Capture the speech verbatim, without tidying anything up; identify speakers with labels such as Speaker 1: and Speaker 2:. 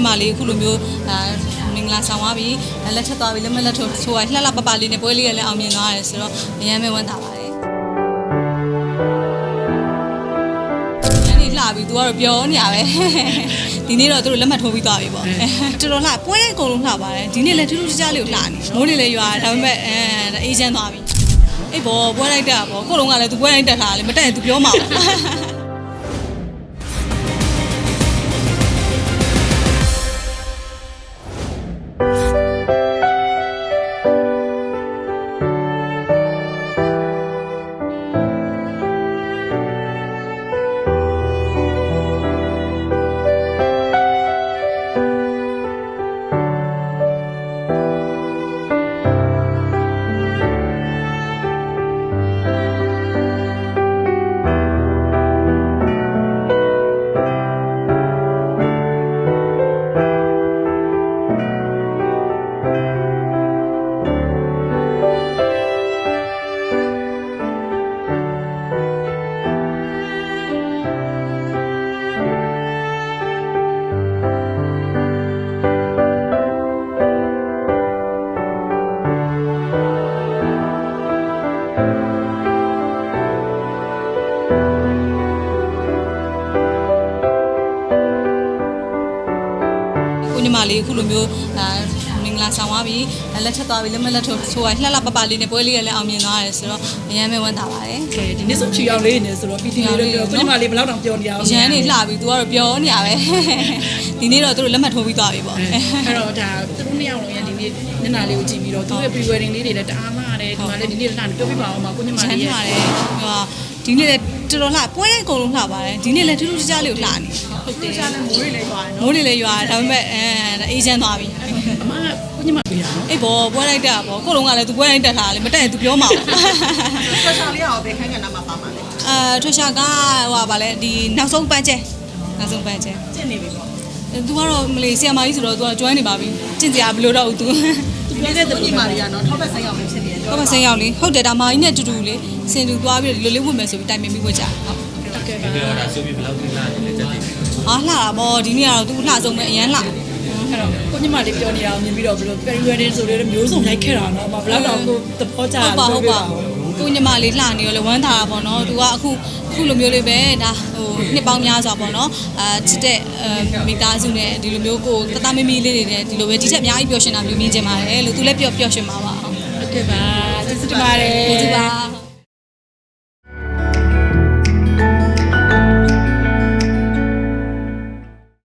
Speaker 1: ညီမလေးအခုလိုမျိုးအာမင်္ဂလာဆောင်သွားပြီလက်ထပ်သွားပြီလက်မလက်ထိုးဆိုရလှလှပပလေးနဲ့ပွဲလေးရလည်းအောင်မြင်သွားတယ်ဆိုတော့အများမဲဝမ်းသာပါတယ်ဒီနေ့လှပြီသူကတော့ပြောနေရပဲဒီနေ့တော့သူတို့လက်မှတ်ထိုးပြီးသွားပြီပေါ့တော်တော်လှပွဲတိုင်းအကုန်လုံးလှပါတယ်ဒီနေ့လည်းထူးထူးခြားခြားလေးကိုလှနေမိုးလေးလည်းရွာဒါပေမဲ့အဲအေးချမ်းသွားပြီအေးဘောပွဲလိုက်တာပေါ့ကိုလုံးကလည်းသူပွဲတိုင်းတက်ထားတယ်မတက်ရင်သူပြောမှာပေါ့ညီမလေးအခုလိုမျိုးအာမင်္ဂလာဆောင်သွားပြီလက်ထပ်သွားပြီလက်မလက်ထိုးဆိုရလှလှပပလေးနဲ့ပွဲလေးရလည်းအောင်မြင်သွားတယ်ဆိုတော့အများမဲဝမ်းသာပါတယ်
Speaker 2: ဒီနေ့ဆိုချီအောင်လေးနေဆိုတော့ပီတီလေးတော့ပြောကိုညီမလေးဘယ်လောက်တောင်ပြောနေရအောင်
Speaker 1: ရန်နေလှပြီသူကတော့ပြောနေရပဲဒီနေ့တော့သူတို့လက်မှတ်ထိုးပြီးသွားပြီပေါ့
Speaker 2: အဲ့တော့ဒါသူတို့နှစ်ယောက်လုံးရဒီနေ့နင်နာလေးကိုကြည့်ပြီးတော့သူရဲ့ pre wedding လေးတွေလည်းတအားလာတယ်ဒီမှာလည်းဒီနေ့လှနေပြောပြပါအောင်ပါကိုညီမလေး
Speaker 1: ရဲ့ဟိုဒီနေ့လည်းတော်တော်လှပွဲတိုင်းအကုန်လုံးလှပါတယ်ဒီနေ့လည်းထူးထူးခြားခြားလေးကိုလှနေ
Speaker 2: ဟုတ်တယ်ခြားလည်းမိုးတွေလည်းရွာ
Speaker 1: တယ်နော်မိုးတွေလည်းရွာဒါပေမဲ့အဲအေးချမ်းသွားပြီ
Speaker 2: အမကိုညီမပေးရအောင်
Speaker 1: အေးဘောပွဲလိုက်တာပေါ့ကိုလုံးကလည်းသူပွဲတိုင်းတက်ထားတယ်မတက်ရင်သူပြောမှာပေါ့
Speaker 3: ထွက်ရှာလေးအောင်ပဲခန်းကဏ္ဍမှာပါမှာလေ
Speaker 1: အာထွက်ရှာကဟိုပါလေဒီနောက်ဆုံးပန်းကျဲနောက်ဆုံးပန်းကျဲ
Speaker 3: ကျင့်နေပြီပေါ့
Speaker 1: သူကတော့မလေးဆီယမာကြီးဆိုတော့သူက join နေပါပြီကျင့်စရာဘယ်လိုတော့သူ
Speaker 3: ပြောတဲ့ညီမလေးကနော်ထောက်ဘက်ဆိုင်အောင်ပဲဖြစ်နေတယ်
Speaker 1: ထောက်ဘက်ဆိုင်အောင်လေဟုတ်တယ်ဒါမာကြီးနဲ့တူတူလေစင်တူသွားပြီးတော့ဒီလိုလေးဝင်မယ်ဆိုပြီးတိုင်ပင်ပြီးဝတ်ကြဟုတ်
Speaker 2: โอเค
Speaker 4: ပါဒီတော့ဒါဆိုပြီးဘယ်လောက်ထိလာနေလဲတက်တယ်
Speaker 1: ဟာလှတာပေါ့ဒီနေ့ကတော့သူလှဆုံးပဲအရန်လှ
Speaker 2: အဲ့တော့ကိုညီမလေးပြောနေတာကိုမြင်ပြီးတော့ဘယ်လို peri wedding ဆိုတော့မျိုးစုံရိုက်ခဲ့တာနော်ဘယ်လောက်တော့ကိုသဘောကျ
Speaker 1: ဟုတ်ပါဟုတ်ပါကိုညီမလေးလှနေရောလေဝမ်းသာတာပေါ့နော်သူကအခုအခုလိုမျိုးလေးပဲဒါဟိုနှစ်ပေါင်းများစွာပေါ့နော်အာချစ်တဲ့မိသားစုနဲ့ဒီလိုမျိုးကိုတတမမီလေးတွေနဲ့ဒီလိုပဲဒီထက်အများကြီးပျော်ရွှင်တာမျိုးမြင်ချင်ပါတယ်လို့သူလည်းပျော်ပျော်ရွှင်ပါပါ
Speaker 2: ဟုတ်ကဲ့ပါကျေးဇူးတင်ပါတယ်